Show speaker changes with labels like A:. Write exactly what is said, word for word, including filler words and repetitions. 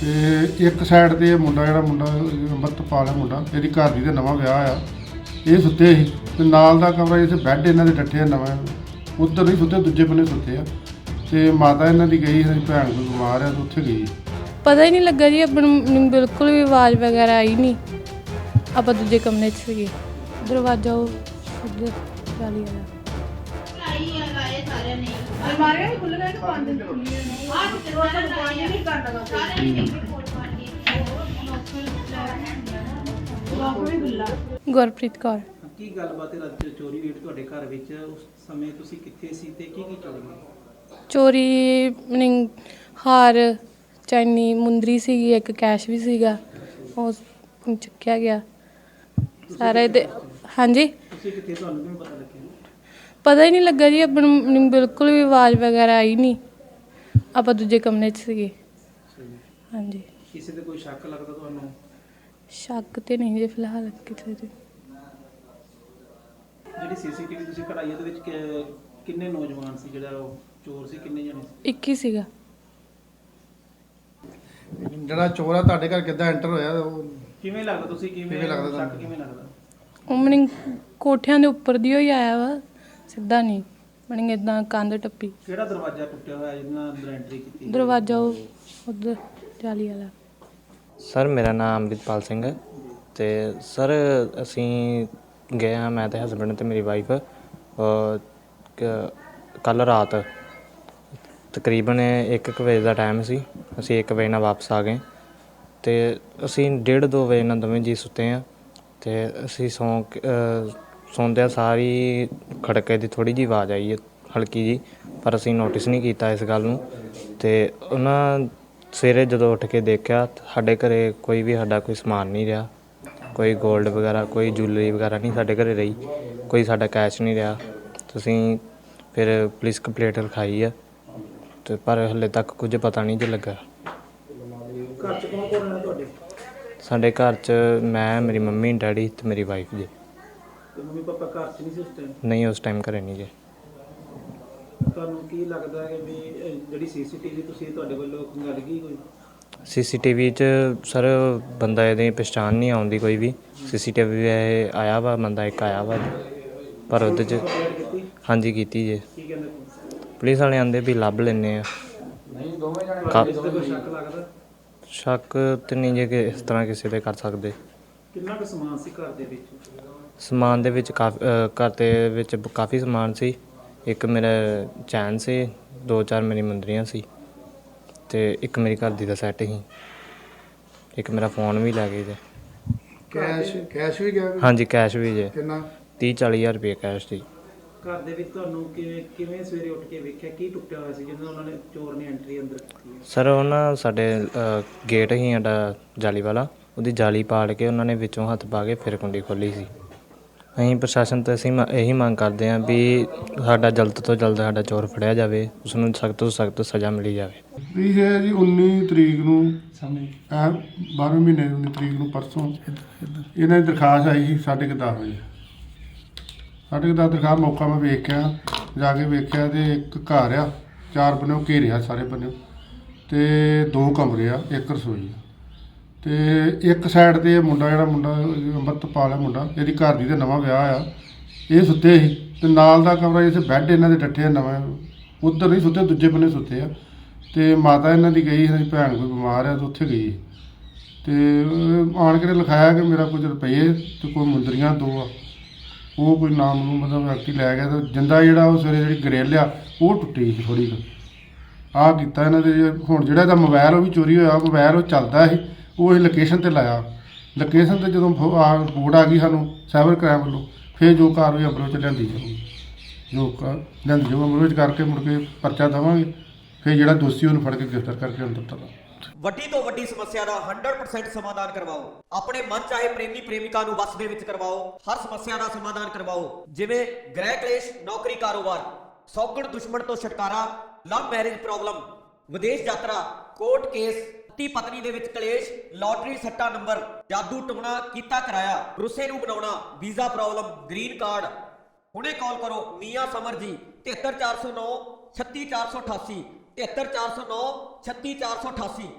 A: ਤੇ ਇੱਕ ਸਾਈਡ ਤੇ ਮੁੰਡਾ ਜਿਹੜਾ ਮੁੰਡਾ ਅੰਮ੍ਰਿਤਪਾਲ ਹੈ ਮੁੰਡਾ, ਇਹਦੀ ਘਰ ਦੀ ਦਾ ਨਵਾਂ ਵਿਆਹ ਆ, ਇਹ ਸੁੱਤੇ ਸੀ ਤੇ ਨਾਲ ਦਾ ਕਮਰਾ ਇੱਥੇ ਬੈੱਡ ਇਹਨਾਂ ਦੇ ਡੱਠੇ ਆ ਨਵਾਂ, ਉੱਧਰ ਨਹੀਂ ਸੁੱਤੇ, ਦੂਜੇ ਬੰਨੇ ਸੁੱਤੇ ਆ। ਤੇ ਮਾਤਾ ਇਹਨਾਂ ਦੀ ਗਈ, ਸਾਡੀ ਭੈਣ ਕੋਈ ਬਿਮਾਰ ਆ ਤੇ ਉੱਥੇ ਗਈ।
B: ਪਤਾ ਹੀ ਨਹੀਂ ਲੱਗਾ ਜੀ, ਆਪਾਂ ਨੂੰ ਬਿਲਕੁਲ ਵੀ ਆਵਾਜ਼ ਵਗੈਰਾ ਆਈ ਨਹੀਂ। ਆਪਾਂ ਦੂਜੇ ਕਮਰੇ 'ਚ ਸੀਗੇ, ਦਰਵਾਜ਼ਾ ਉਹ ਉੱਧਰ ਜਾਲੀ ਵਾਲਾ
C: ਅਲਮਾਰੀਆਂ ਵੀ ਖੁੱਲ ਗਈਆਂ ਕਿ ਬੰਦ ਖੁੱਲੀਆਂ ਨੇ? ਆਹ ਦਰਵਾਜ਼ਾ ਬੰਦ ਨਹੀਂ ਕਰਨਾ ਸਾਰੇ ਨੇ ਰਿਪੋਰਟ ਬਣ ਗਈ ਲੋਕ ਵੀ ਖੁੱਲਾ।
B: ਗੁਰਪ੍ਰੀਤ ਕੌਰ।
D: ਕੀ ਗੱਲਬਾਤ ਹੈ? ਰਾਤ ਚੋਰੀ ਹੋਈ ਤੁਹਾਡੇ ਘਰ ਵਿੱਚ, ਉਸ ਸਮੇਂ ਤੁਸੀਂ ਕਿੱਥੇ ਸੀ ਤੇ ਕੀ ਕੀ ਚੋਰੀ ਹੋਈ?
B: ਚੋਰੀ ਮੀਨਿੰਗ ਹਾਰ, ਚੈਨੀ, ਮੁੰਦਰੀ ਸੀਗੀ, ਇੱਕ ਕੈਸ਼ ਵੀ ਸੀਗਾ, ਉਹ ਚੁੱਕਿਆ ਗਿਆ ਸਾਰਾ ਇਹਦੇ। ਹਾਂਜੀ,
D: ਤੁਸੀਂ ਕਿੱਥੇ, ਤੁਹਾਨੂੰ ਕਿਵੇਂ ਪਤਾ ਲੱਗਿਆ?
B: ਪਤਾ ਹੀ ਨਹੀਂ ਲੱਗਾ ਜੀ, ਆਪਾਂ ਨੂੰ ਬਿਲਕੁਲ ਵੀ ਆਵਾਜ਼ ਵਗੈਰਾ ਆਈ ਨਹੀਂ। ਆਪਾਂ ਦੂਜੇ ਕਮਰੇ 'ਚ ਸੀਗੇ। ਹਾਂਜੀ।
D: ਕਿਸੇ ਤੇ ਕੋਈ ਸ਼ੱਕ ਲੱਗਦਾ ਤੁਹਾਨੂੰ?
B: ਸ਼ੱਕ ਤੇ ਨਹੀਂ ਜੀ ਫਿਲਹਾਲ ਕਿਤੇ ਤੇ।
D: ਜਿਹੜੀ ਸੀਸੀਟੀਵੀ ਤੁਸੀਂ ਕਢਾਈ ਉਹਦੇ ਵਿੱਚ ਕਿ- ਕਿੰਨੇ ਨੌਜਵਾਨ ਸੀ, ਜਿਹੜਾ ਉਹ ਚੋਰ ਸੀ, ਕਿੰਨੇ ਜਣੇ ਸੀ?
B: ਇੱਕ ਹੀ ਸੀਗਾ।
A: ਜਿਹੜਾ ਚੋਰ ਆ ਤੁਹਾਡੇ ਘਰ ਕਿੱਦਾਂ ਐਂਟਰ ਹੋਇਆ, ਉਹ
D: ਕਿਵੇਂ ਲੱਗਦਾ, ਤੁਸੀਂ ਕਿਵੇਂ
A: ਕਿਵੇਂ ਲੱਗਦਾ
D: ਸ਼ੱਕ
A: ਤੁਹਾਨੂੰ?
D: ਕਿਵੇਂ ਲੱਗਦਾ?
B: ਉਹ ਮੀਨਿੰਗ ਕੋਠਿਆਂ ਦੇ ਉੱਪਰ ਦੀ ਹੀ ਆਇਆ ਵਾ, ਸਿੱਧਾ ਨਹੀਂ ਮੀਨਿੰਗ ਇਦਾਂ ਕੰਧ ਟੱਪੀ।
D: ਕਿਹੜਾ ਦਰਵਾਜ਼ਾ ਟੁੱਟਿਆ ਹੋਇਆ ਜਿਹਦੇ ਨਾਲ ਅੰਦਰ ਐਂਟਰੀ ਕੀਤੀ?
B: ਦਰਵਾਜ਼ਾ ਉਹ ਉੱਧਰ ਜਾਲੀ ਵਾਲਾ।
E: ਸਰ ਮੇਰਾ ਨਾਮ ਅੰਮ੍ਰਿਤਪਾਲ ਸਿੰਘ ਹੈ ਅਤੇ ਸਰ ਅਸੀਂ ਗਏ ਹਾਂ, ਮੈਂ ਅਤੇ ਹਸਬੈਂਡ ਅਤੇ ਮੇਰੀ ਵਾਈਫ ਕੱਲ੍ਹ ਰਾਤ ਤਕਰੀਬਨ ਇੱਕ ਕੁ ਵਜੇ ਦਾ ਟਾਈਮ ਸੀ। ਅਸੀਂ ਇੱਕ ਵਜੇ ਨਾਲ ਵਾਪਸ ਆ ਗਏ ਅਤੇ ਅਸੀਂ ਡੇਢ ਦੋ ਵਜੇ ਨਾਲ ਦੋਵੇਂ ਜੀ ਸੁੱਤੇ ਹਾਂ ਅਤੇ ਅਸੀਂ ਸੌਂ ਕੇ ਸੌਂਦਿਆਂ ਸਾਰੀ ਖੜਕੇ ਦੀ ਥੋੜ੍ਹੀ ਜਿਹੀ ਆਵਾਜ਼ ਆਈ ਹੈ, ਹਲਕੀ ਜਿਹੀ, ਪਰ ਅਸੀਂ ਨੋਟਿਸ ਨਹੀਂ ਕੀਤਾ ਇਸ ਗੱਲ ਨੂੰ। ਅਤੇ ਉਹਨਾਂ ਸਵੇਰੇ ਜਦੋਂ ਉੱਠ ਕੇ ਦੇਖਿਆ, ਸਾਡੇ ਘਰ ਕੋਈ ਵੀ ਸਾਡਾ ਕੋਈ ਸਮਾਨ ਨਹੀਂ ਰਿਹਾ, ਕੋਈ ਗੋਲਡ ਵਗੈਰਾ, ਕੋਈ ਜੁਐਲਰੀ ਵਗੈਰਾ ਨਹੀਂ ਸਾਡੇ ਘਰ ਰਹੀ, ਕੋਈ ਸਾਡਾ ਕੈਸ਼ ਨਹੀਂ ਰਿਹਾ। ਤੁਸੀਂ ਫਿਰ ਪੁਲਿਸ ਕੰਪਲੇਂਟ ਲਿਖਾਈ ਆ ਅਤੇ ਪਰ ਹਾਲੇ ਤੱਕ ਕੁਝ ਪਤਾ ਨਹੀਂ ਜੇ ਲੱਗਾ।
D: ਘਰ 'ਚ ਕੌਣ ਕੌਣ ਰਹਿੰਦਾ ਤੁਹਾਡੇ?
E: ਸਾਡੇ ਘਰ 'ਚ ਮੈਂ, ਮੇਰੀ ਮੰਮੀ, ਡੈਡੀ ਅਤੇ ਮੇਰੀ ਵਾਈਫ ਜੀ।
D: ਤੇ ਮੰਮੀ ਪਾਪਾ ਘਰ 'ਚ ਨਹੀਂ ਸੀ ਉਸ ਟਾਈਮ?
E: ਨਹੀਂ, ਉਸ ਟਾਈਮ ਘਰੇ ਨਹੀਂ ਜੀ।
D: ਤੁਹਾਨੂੰ ਕੀ ਲੱਗਦਾ ਹੈ ਵੀ ਇਹ ਜਿਹੜੀ ਸੀਸੀਟੀਵੀ ਤੁਸੀਂ ਤੁਹਾਡੇ ਵੱਲੋਂ ਗੱਲ ਗਈ ਕੋਈ?
E: ਸੀ ਸੀ ਟੀ ਵੀ 'ਚ ਸਰ ਬੰਦਾ ਇਹਦੀ ਪਛਾਣ ਨਹੀਂ ਆਉਂਦੀ ਕੋਈ ਵੀ। ਸੀ ਸੀ ਟੀ ਵੀ ਇਹ ਆਇਆ ਵਾ, ਬੰਦਾ ਇੱਕ ਆਇਆ ਵਾ, ਪਰ ਉਹਦੇ 'ਚ
D: ਕੰਪਲੇਂਟ ਕੀਤੀ?
E: ਹਾਂਜੀ ਕੀਤੀ ਜੇ।
D: ਕੀ ਕਹਿੰਦੇ?
E: ਪੁਲਿਸ ਵਾਲੇ ਆਂਦੇ ਵੀ ਲੱਭ ਲੈਂਦੇ ਆ।
D: ਤੁਹਾਨੂੰ ਇਸ ਤੇ ਕੋਈ ਸ਼ੱਕ ਲੱਗਦਾ?
E: ਸ਼ੱਕ ਤਾਂ ਨਹੀਂ ਜੇ ਕਿ ਇਸ ਤਰ੍ਹਾਂ ਕਿਸੇ 'ਤੇ ਕਰ ਸਕਦੇ।
D: ਕਿੰਨਾ ਕੁ ਸਮਾਨ ਸੀ ਘਰ ਦੇ ਵਿੱਚ?
E: ਸਮਾਨ ਦੇ ਵਿੱਚ ਕਾਫੀ ਘਰ ਦੇ ਵਿੱਚ ਕਾਫੀ ਸਮਾਨ ਸੀ। ਇੱਕ ਮੇਰਾ ਚੈਨ ਸੀ, ਦੋ ਚਾਰ ਮੇਰੀ ਮੁੰਦਰੀਆਂ ਸੀ ਅਤੇ ਇੱਕ ਮੇਰੀ ਘਰ ਦੀ ਦਾ ਸੈੱਟ ਸੀ। ਇੱਕ ਮੇਰਾ ਫੋਨ ਵੀ ਲੈ ਗਏ ਜੇ।
A: ਕੈਸ਼ ਕੈਸ਼ ਵੀ ਗਿਆ?
E: ਹਾਂਜੀ, ਕੈਸ਼ ਵੀ ਜੇ।
A: ਕਿੰਨਾ?
E: ਤੀਹ ਚਾਲੀ ਹਜ਼ਾਰ ਰੁਪਏ ਕੈਸ਼ ਸੀ।
D: ਘਰ ਦੇ ਵਿੱਚ ਤੁਹਾਨੂੰ ਕਿਵੇਂ ਕਿਵੇਂ ਸਵੇਰੇ ਉੱਠ ਕੇ ਵੇਖਿਆ, ਕੀ ਟੁੱਟਿਆ ਹੋਇਆ ਸੀ ਜਿਹਨਾਂ ਉਹਨਾਂ ਨੇ ਚੋਰ ਨੇ ਐਂਟਰੀ ਅੰਦਰ ਕੀਤੀ ਹੈ?
E: ਸਰ ਉਹ ਨਾ ਸਾਡੇ ਗੇਟ ਸੀ ਸਾਡਾ ਜਾਲੀ ਵਾਲਾ, ਉਹਦੀ ਜਾਲੀ ਪਾੜ ਕੇ ਉਹਨਾਂ ਨੇ ਵਿੱਚੋਂ ਹੱਥ ਪਾ ਕੇ ਫਿਰ ਕੁੰਡੀ ਖੋਲ੍ਹੀ ਸੀ। ਅਸੀਂ ਪ੍ਰਸ਼ਾਸਨ ਤੋਂ ਅਸੀਂ ਮ ਇਹੀ ਮੰਗ ਕਰਦੇ ਹਾਂ ਵੀ ਸਾਡਾ ਜਲਦ ਤੋਂ ਜਲਦ ਸਾਡਾ ਚੋਰ ਫੜਿਆ ਜਾਵੇ, ਉਸ ਨੂੰ ਸਖਤ ਤੋਂ ਸਖਤ ਸਜ਼ਾ ਮਿਲੀ ਜਾਵੇ।
A: ਇਹ ਹੈ ਜੀ ਉੱਨੀ ਤਰੀਕ ਨੂੰ, ਐ ਬਾਰ੍ਹਵੇਂ ਮਹੀਨੇ ਉੱਨੀ ਤਰੀਕ ਨੂੰ, ਪਰਸੋਂ ਇਹਨਾਂ ਦੀ ਦਰਖਾਸਤ ਆਈ ਸੀ ਸਾਢੇ ਕੁ ਦਸ ਵਜੇ। ਸਾਢੇ ਕੁ ਦਸ ਦਰਖਾਸਤ ਮੌਕਾ ਮੈਂ ਵੇਖਿਆ, ਜਾ ਕੇ ਵੇਖਿਆ ਤੇ ਇੱਕ ਘਰ ਆ, ਚਾਰ ਬੰਨਿਓ ਘੇਰਿਆ ਸਾਰੇ ਬੰਨਿਓ, ਤੇ ਦੋ ਕਮਰੇ ਆ, ਇੱਕ ਰਸੋਈ ਆ। ਤੇ ਇੱਕ ਸਾਈਡ ਤੇ ਮੁੰਡਾ ਜਿਹੜਾ ਮੁੰਡਾ ਅੰਮ੍ਰਿਤਪਾਲ ਹੈ ਮੁੰਡਾ, ਇਹਦੀ ਘਰ ਦੀ ਦਾ ਨਵਾਂ ਵਿਆਹ ਆ, ਇਹ ਸੁੱਤੇ ਸੀ ਤੇ ਨਾਲ ਦਾ ਕਮਰਾ ਇੱਥੇ ਬੈੱਡ ਇਹਨਾਂ ਦੇ ਡੱਠੇ ਆ ਨਵਾਂ, ਉੱਧਰ ਨਹੀਂ ਸੁੱਤੇ, ਦੂਜੇ ਬੰਨੇ ਸੁੱਤੇ ਆ। ਤੇ ਮਾਤਾ ਇਹਨਾਂ ਦੀ ਗਈ, ਸਾਡੀ ਭੈਣ ਕੋਈ ਬਿਮਾਰ ਆ ਤੇ ਉੱਥੇ ਗਈ। ਤੇ ਆਣ ਕੇ ਲਿਖਾਇਆ ਕਿ ਮੇਰਾ ਕੁਝ ਰੁਪਏ ਤੇ ਕੋਈ ਮੁੰਦਰੀਆਂ ਦੋ ਆ, ਉਹ ਕੋਈ ਨਾਮ ਨੂੰ ਮਤਲਬ ਵਿਅਕਤੀ ਲੈ ਗਿਆ। ਤੇ ਜਿੰਦਾ ਜਿਹੜਾ ਉਹ ਸਵੇਰੇ ਜਿਹੜੀ ਗਰੇਲ ਆ ਉਹ ਟੁੱਟੀ ਸੀ ਥੋੜ੍ਹੀ ਕੁ। ਆਹ ਕੀਤਾ ਇਹਨਾਂ ਦੇ। ਹੁਣ ਜਿਹੜਾ ਇਹਦਾ ਮੋਬਾਇਲ ਉਹ ਵੀ ਚੋਰੀ ਹੋਇਆ, ਮੋਬਾਇਲ ਉਹ ਚੱਲਦਾ ਸੀ, ਉਹ ਅਸੀਂ ਲੋਕੇਸ਼ਨ 'ਤੇ ਲਾਇਆ। ਲੋਕੇਸ਼ਨ 'ਤੇ ਜਦੋਂ ਆ ਰਿਪੋਰਟ ਆ ਗਈ ਸਾਨੂੰ ਸਾਈਬਰ ਕ੍ਰਾਈਮ ਵੱਲੋਂ, ਫਿਰ ਜੋ ਕਾਰਵਾਈ ਅਮਲ 'ਚ ਲਿਆਂਦੀ ਜਾਊਗੀ, ਜੋ ਕ ਲਿਆਂਦੀ ਜਾਊ ਅਮਲ ਵਿੱਚ ਕਰਕੇ ਮੁੜ ਕੇ ਪਰਚਾ ਦੇਵਾਂਗੇ। ਫਿਰ ਜਿਹੜਾ ਦੋਸ਼ੀ ਉਹਨੂੰ ਫੜ ਕੇ ਗ੍ਰਿਫਤਾਰ ਕਰਕੇ ਅੰਦਰ ਤੱਕ।
F: ਵੱਡੀ ਤੋਂ ਵੱਡੀ ਸਮੱਸਿਆ ਦਾ ਸੌ ਪ੍ਰਸੈਂਟ ਸਮਾਧਾਨ ਕਰਵਾਓ। ਆਪਣੇ ਮਨ ਚਾਹੇ ਪ੍ਰੇਮੀ ਪ੍ਰੇਮਿਕਾ ਨੂੰ ਵਸ ਦੇ ਵਿੱਚ ਕਰਵਾਓ। ਹਰ ਸਮੱਸਿਆ ਦਾ ਸਮਾਧਾਨ ਕਰਵਾਓ, ਜਿਵੇਂ ਗ੍ਰਹਿ ਕਲੇਸ਼, ਨੌਕਰੀ, ਕਾਰੋਬਾਰ, ਸੌਗਣ ਦੁਸ਼ਮਣ ਤੋਂ ਛੁਟਕਾਰਾ, ਲਵ ਮੈਰਿਜ ਪ੍ਰੋਬਲਮ, ਵਿਦੇਸ਼ ਯਾਤਰਾ, ਕੋਰਟ ਕੇਸ, ਪਤੀ ਪਤਨੀ ਦੇ ਵਿੱਚ ਕਲੇਸ਼, ਲਾਟਰੀ ਸੱਟਾ ਨੰਬਰ, ਜਾਦੂ ਟੂਣਾ ਕੀਤਾ ਕਰਾਇਆ, ਰੁੱਸੇ ਨੂੰ ਬਣਾਉਣਾ, ਵੀਜ਼ਾ ਪ੍ਰੋਬਲਮ, ਗ੍ਰੀਨ ਕਾਰਡ। ਹੁਣੇ ਕਾਲ ਕਰੋ ਮੀਆਂ ਸਮਰ ਜੀ, ਤਿਹੱਤਰ ਚਾਰ ਸੌ ਨੌ ਛੱਤੀ ਚਾਰ ਸੌ ਅਠਾਸੀ, ਤਿਹੱਤਰ ਚਾਰ ਸੌ ਨੌ ਛੱਤੀ ਚਾਰ ਸੌ ਅਠਾਸੀ।